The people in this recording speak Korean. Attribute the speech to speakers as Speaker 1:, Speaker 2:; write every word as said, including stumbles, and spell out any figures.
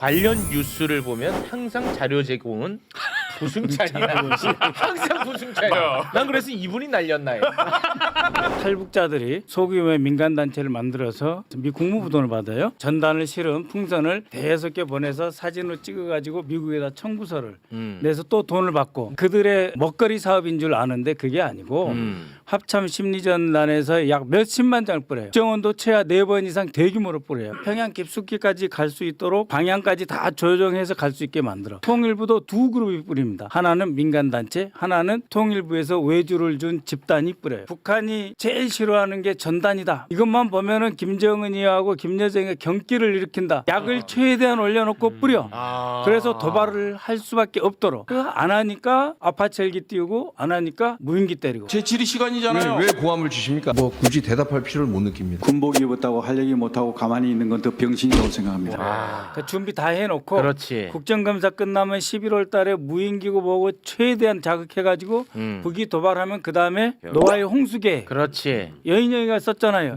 Speaker 1: 관련 뉴스를 보면 항상 자료 제공은 부승찬이야. 항상 부승찬이야. 난 그래서 이분이 날렸나 해.
Speaker 2: 탈북자들이 소규모의 민간 단체를 만들어서 미 국무부 돈을 받아요. 전단을 실은 풍선을 대여섯 개 보내서 사진으로 찍어가지고 미국에다 청구서를
Speaker 1: 음.
Speaker 2: 내서 또 돈을 받고 그들의 먹거리 사업인 줄 아는데 그게 아니고
Speaker 1: 음.
Speaker 2: 합참 심리전단에서 약 몇십만 장을 뿌려요. 국정원도 최하 네 번 이상 대규모로 뿌려요. 평양 깊숙이까지 갈 수 있도록 방향까지 다 조정해서 갈 수 있게 만들어. 통일부도 두 그룹이 뿌립니다. 하나는 민간단체, 하나는 통일부에서 외주를 준 집단이 뿌려요. 북한이 제일 싫어하는 게 전단이다. 이것만 보면은 김정은이하고 김여정의 경기를 일으킨다. 약을 최대한 올려놓고 뿌려.
Speaker 1: 아.
Speaker 2: 그래서 도발을 할 수밖에 없도록. 그거 안 하니까 아파트 헬기 띄우고 안 하니까 무인기 때리고.
Speaker 3: 제 질의 시간이잖아요.
Speaker 4: 왜, 왜 고함을 주십니까? 뭐 굳이 대답할 필요를 못 느낍니다.
Speaker 5: 군복 입었다고 할 얘기 못하고 가만히 있는 건 더 병신이라고 생각합니다.
Speaker 1: 아.
Speaker 2: 그 준비 다 해놓고
Speaker 1: 그렇지.
Speaker 2: 국정감사 끝나면 십일월 달에 무인기고 보고 최대한 자극해가지고
Speaker 1: 음.
Speaker 2: 북이 도발하면 그 다음에 노아의 홍수계
Speaker 1: 그렇지.
Speaker 2: 여인영이가 썼잖아요.